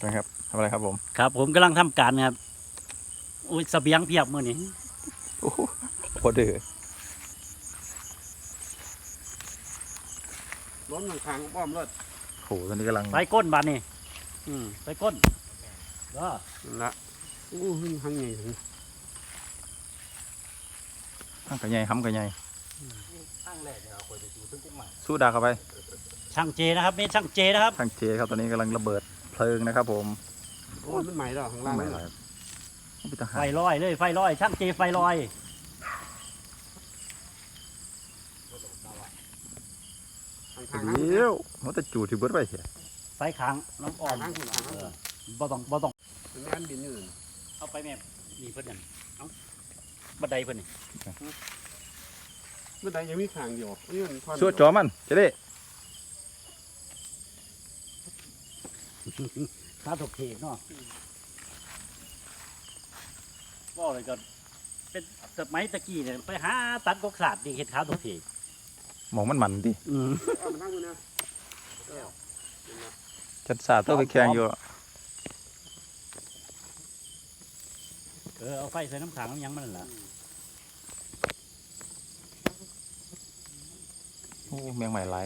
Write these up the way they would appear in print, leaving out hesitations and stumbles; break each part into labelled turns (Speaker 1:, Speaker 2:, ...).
Speaker 1: นะครับทำอะไรครับผม
Speaker 2: ครับผมกำลังทำการครับอุ้ยเสบียงเพียบมื้อนี้
Speaker 1: โอ้โหโคตรดื้อ
Speaker 3: ล้นทางป้อมรถ
Speaker 1: โหตอนนี้กำลัง
Speaker 2: ไปก้นบานนี่ไปก้นก็
Speaker 3: ละอู้ทางใหญ่ถึง
Speaker 1: ห้างกระไงห้ำกระไง
Speaker 2: ช่างแรกเนี่ยเอาไปดูถึงกุ้งใหม่
Speaker 1: สู้ดาเข้าไป
Speaker 2: ช่างเจนะครับนี่ช่างเจนะครับ
Speaker 1: ช่างเจครับตอนนี้กำลังระเบิดเพลิงนะครับผม
Speaker 3: โอ้มันใหม่แล้วข้างล่าง
Speaker 1: ไม่ไหว
Speaker 2: ไฟลอยเลยไฟลอยช่างเจไฟลอย
Speaker 1: เดี๋ยวมันจะจูดที่เบิร์ดไปเสีย
Speaker 2: ไฟค้างน้ำอ่อนบ่ต้อง
Speaker 3: มันงานบินอยู่
Speaker 2: เอาไปแม่นี่เพิ่นนั่นเอาบันไดเพิ่นนี่
Speaker 3: บันไดยังมีขางอยู่
Speaker 1: สู้จอมันจะได้
Speaker 2: ข้าถกเทกเนาะก็เลยก็เป็นสมัยตะกี้เนี่ยไปหาตัดกกศาสตร์ดิเห็ดข้าวถกเทก
Speaker 1: มองมันดิจัดสาดตัวไปแข่งอยู่
Speaker 2: เอาไฟใส่น้ำขังน้ำยังมันล่ะ
Speaker 1: โอ้แมงใหม่หลาย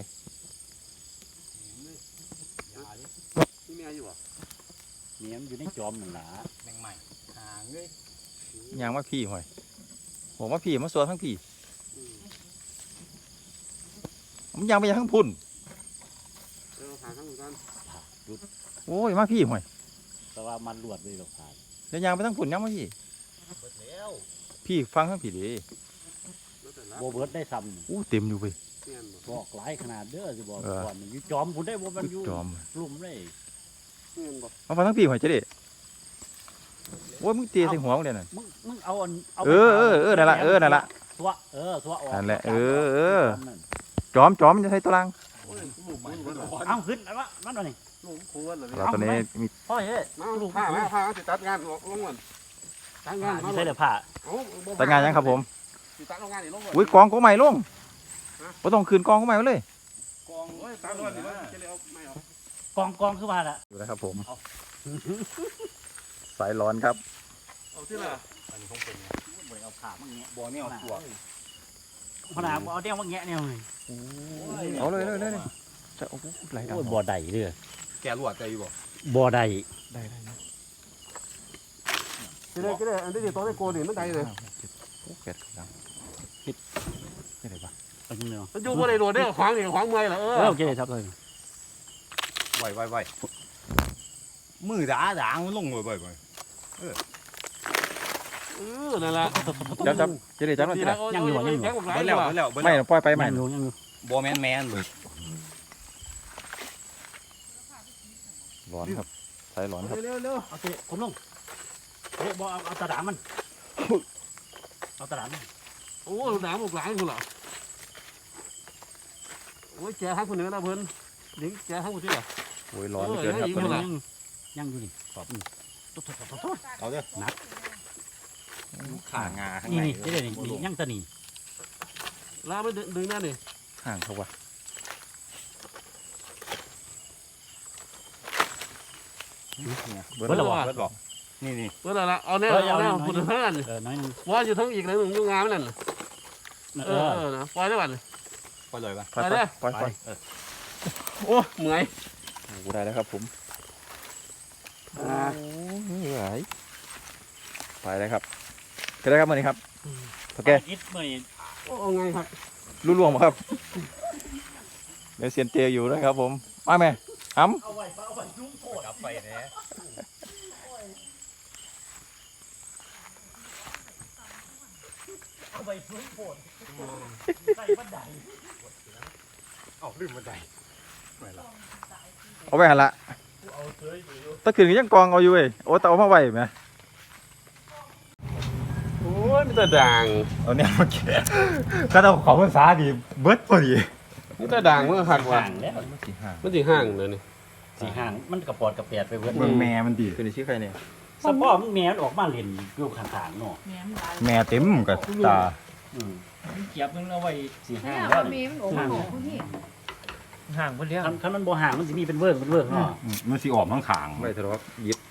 Speaker 3: นี่แม่อยู่อ่ะ
Speaker 2: เมียมันอยู่ในจอมนั่นล่ะแมงใหม่หางเลย
Speaker 1: ยางว่าพี่ห่วยผมว่าพี่มาสวดทั้งพี่มันยางไปยังทั้งพุ่นโอ้ยมาพี่ห่วย
Speaker 2: แต่ว่ามันรวดเลยหรอกผ่าน
Speaker 1: แล้วยางไปทั้งพุ่นยังมาพี่พี่ฟังทั้งพี่ดี
Speaker 2: โบเบิร์ดได้ซ้ำ
Speaker 1: อู้เต็มอยู่ไป
Speaker 2: บอกหลายขนาดเด้อจะบอกก่อนอยู่จอมคุณได้บ่มันอยู่ลุ่มเลย
Speaker 1: มาฟังทั้งพี่ห่วยจะได้โอ้ยมึงเตะใส่หัวมึงเดี๋ยวนั่น
Speaker 2: มึงเอา
Speaker 1: นั่นละนั่นละ
Speaker 2: ตัวออก
Speaker 1: นั่นแหละจอมจะใช้ตัวลัง
Speaker 2: เอาขึ้นแล้วมันอะไร
Speaker 1: เราตอนนี้มี
Speaker 2: พ่อเฮ้ย
Speaker 3: ผ้าจะตัดงานลงวัน
Speaker 2: ตัดงานใช่เลยผ้า
Speaker 1: ตัดงานยังครับผมอุ้ยกองก็ใหม่ลงก็ต้องคืนกองก็ใหม่เลย
Speaker 2: กองคือว่าละ
Speaker 1: อยู่นะครับผมสายร้อนครับ
Speaker 3: เอาที่ละ
Speaker 2: อันนี้คงเป็นบ่เอาขามั่งเงี้ย
Speaker 3: บ่เนี่ยเอาตัว
Speaker 2: ขนาดเอาเดี่ยวมั่งเงี้ยเนี่ย
Speaker 1: เอาเลยจะโอ้โหไหลดำ
Speaker 2: บ่ได้เลย
Speaker 3: แกหลวดใจอยู่
Speaker 2: บ่ได้
Speaker 3: ก็ได้อันนี้ตัวได้โกนมันได้เลย
Speaker 1: โอ้แกดดำคิดอะไรบ้าง
Speaker 3: มันอยู่บนไอ้โดดเนี่ยขวางนี่ขวางเมื่อยเหรอ
Speaker 2: โอเคครับเลย
Speaker 3: ไวมือด่ามันลงบ่อยนั่นแหละ
Speaker 1: จับจะได้จับมันจะได้
Speaker 2: ยังอยู่
Speaker 1: ไม่ปล่อยไปใหม่
Speaker 2: บอแมนเลย
Speaker 1: ร้อนครับสายร้อนครับ
Speaker 3: เร็ว
Speaker 2: โอเคผมลงบอเอาตะดามันเอาตะดามัน
Speaker 3: โอ้ด่าหมกหลายคนเหรอโอ้ยแกทั้งคนเหนือนะเพิ่นดิ้งแกทั้งคนที่เหรอ
Speaker 1: โอ้ยร้อนเกินครับตอนนี้
Speaker 2: ยังอยู่ดิขอบ
Speaker 1: เอาเด้อ
Speaker 2: นัก
Speaker 1: ขางาข้าง
Speaker 2: ในนี่ยังตะนี่
Speaker 3: ลาไปดึงหน้าดิ
Speaker 1: ห่างเขาวะ
Speaker 3: เบิร์ดบอกนี่เบิร์ดละเอาเนี่ยพูดเท่านั้นว่าอยู่ทั้งอีกหนึ่งยุ่งงานนั่นปล่อยได้ป่ะ
Speaker 1: ปล่อยเลยป่ะ
Speaker 3: ปล่อยโอ้เหนื่อย
Speaker 1: กูได้แล้วครับผมเหนื่อยไปเลยครับก็ได้ครับมื่อนี้ครับโอเค
Speaker 3: โอ้ไงครับ
Speaker 1: รู้ล่วงมั้งครับเดี๋ยวเซียนเจอยู่นะครับผมมาไหมอ้ำ
Speaker 2: กลับไปเนี่ยเอาไปพื้นโผล่ใส่บันได
Speaker 3: เอาลืมบันได
Speaker 1: เอาไปหันละตะขืนยังกองเอาอยู่เว้ยโอ้แต่เอามาไว้ไหม
Speaker 3: โอ้ยมันจะด่าง
Speaker 1: เอาเนี่ยมาแกะก็ต้องขอภาษาดีเบิร์ดพอดี
Speaker 3: มันจะด่างมันหักว่ะมันสีห่างเลยนี่
Speaker 2: สีห่างมันกระปอดกระเปียดไปเบิร์ด
Speaker 1: แม่มันดีเป็นชื่อใครเนี่ย
Speaker 2: สปอร์มึงแม่ออกมาเล่นอยู่ข้างๆเนาะ
Speaker 1: แม่เต็มกับตา
Speaker 2: เกียบมึงเอาไว้สีห่าง
Speaker 4: แล้วแม่มันออกมาผู้นี้ห่างเพิ่นเลี้ยง
Speaker 2: คันมันบ่ห่างมันสิมีเป็นเวิร์กเนาะ
Speaker 5: มันสิออกข้างขาง
Speaker 1: ไม่ทะเลาะยิบ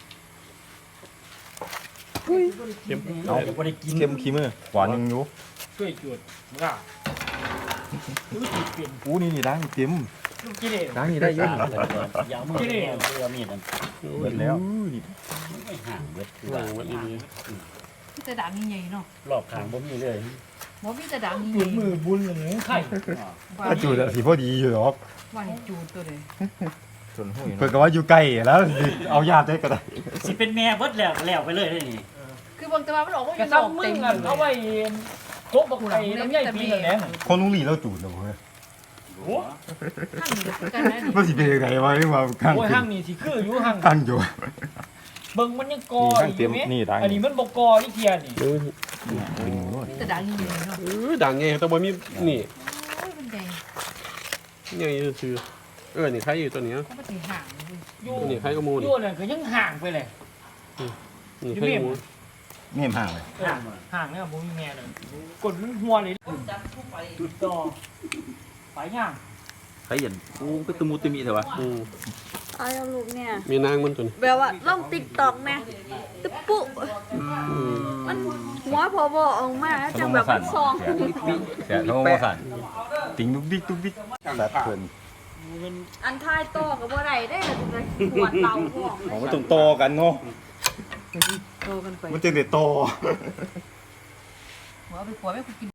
Speaker 2: เอาบ่ได้กิน
Speaker 1: เข้มขี้มือหวานยังอยู่
Speaker 4: ช่วยจุดมึงอ่ะรู้สิเปลี่ยน
Speaker 1: อู้นี่ดังเต็ม
Speaker 4: ลูกกิเลส
Speaker 1: ดังนี่ได้เยอะ
Speaker 2: ยาวมือแก้วเพื่อมีดนั่น
Speaker 1: เบิดแล้ว
Speaker 2: ไม่ห่างเบิดคือ
Speaker 3: ว่า
Speaker 2: ว่า
Speaker 3: มันดี
Speaker 6: มีแต่ดังใหญ่ๆเนาะ
Speaker 2: รอบข้างบ่มีเลย
Speaker 6: บ่มีแต่ดังให
Speaker 4: จุ
Speaker 6: ญ่
Speaker 4: ดมือบุญหรือไข่
Speaker 6: ว่า
Speaker 5: ก็จูดสิพอดีอยู่หรอก
Speaker 6: ว่าให้จูดตัวเลย
Speaker 1: ส่วนหุ้ย
Speaker 5: เพิ่นก็ว่าอยู่ใกล้แล้วเอาญาติได้ก็ได้
Speaker 2: สิเป็นแม่เบิดแล้วไปเลยนี่
Speaker 6: คือบางตัวมันออกว่าอก
Speaker 4: ระ
Speaker 6: ยู่น
Speaker 4: ซั
Speaker 6: อบ ก
Speaker 4: มึ
Speaker 6: เต็
Speaker 4: ง
Speaker 6: ม
Speaker 4: อ่ะ
Speaker 6: เลย
Speaker 4: เอาไว้โคบบักไข่น้ำใหญ่ปีละแหลง
Speaker 5: คนลุงหลีเราจูดแล้วเว้ย
Speaker 6: ข้างนี้ก็คือกันนะ
Speaker 5: มันสิเป็นจังไดวะนี่ว่าข้าง
Speaker 4: โอ้ยห้างนี่สิคืออยู่ห้าง
Speaker 5: ข้างอยู่
Speaker 4: เบิ่งมันยังกอ
Speaker 1: นี่ดังเต็มนี่ดัง
Speaker 4: อันนี้มันบ่กอที่เทียนี่
Speaker 6: มีแต่ดังใหญ่ๆเนาะ
Speaker 3: ดังไงแต่บ่มีนี่
Speaker 6: โอ้ยมันใหญ่
Speaker 3: ใหญ่ซื่อนี่ใครอยู่ตัวนี้
Speaker 6: เขาบ่สิห่างเลย
Speaker 4: อยู่
Speaker 3: นี่ใครก็มูล
Speaker 4: อยู่นั่นก็ยังห่างไปเลย
Speaker 3: นี่ใครก็มูล
Speaker 5: เมี่ยมห่างเลย
Speaker 4: ห่างเนี่ยบ่มีแม่เลยกดมันหัวเลยจุดต่อไปย่าง
Speaker 1: ใครเห็นอู้ก็ตะมูตะมีเถอะวะ
Speaker 7: เอาเอาลูกเนี่ย
Speaker 3: มีนางมันตัวนี้
Speaker 7: แบบว่าลงติ๊กตอกแม่ตึ๊บปุ๊มันหัวพอบอออกมาจังแบบมันซอง
Speaker 5: เสียโทรมาสั่นติงดุกดิกดุกดิกแบบเพิ่น
Speaker 7: อันท้ายโตกับบ่ได้ได้เลยหัวเตาห่วง
Speaker 5: ของมันต้องโตกันเนาะ
Speaker 6: โตกันไป
Speaker 5: มันจึงได้โต
Speaker 6: หัวไปขัวแม่กูกิน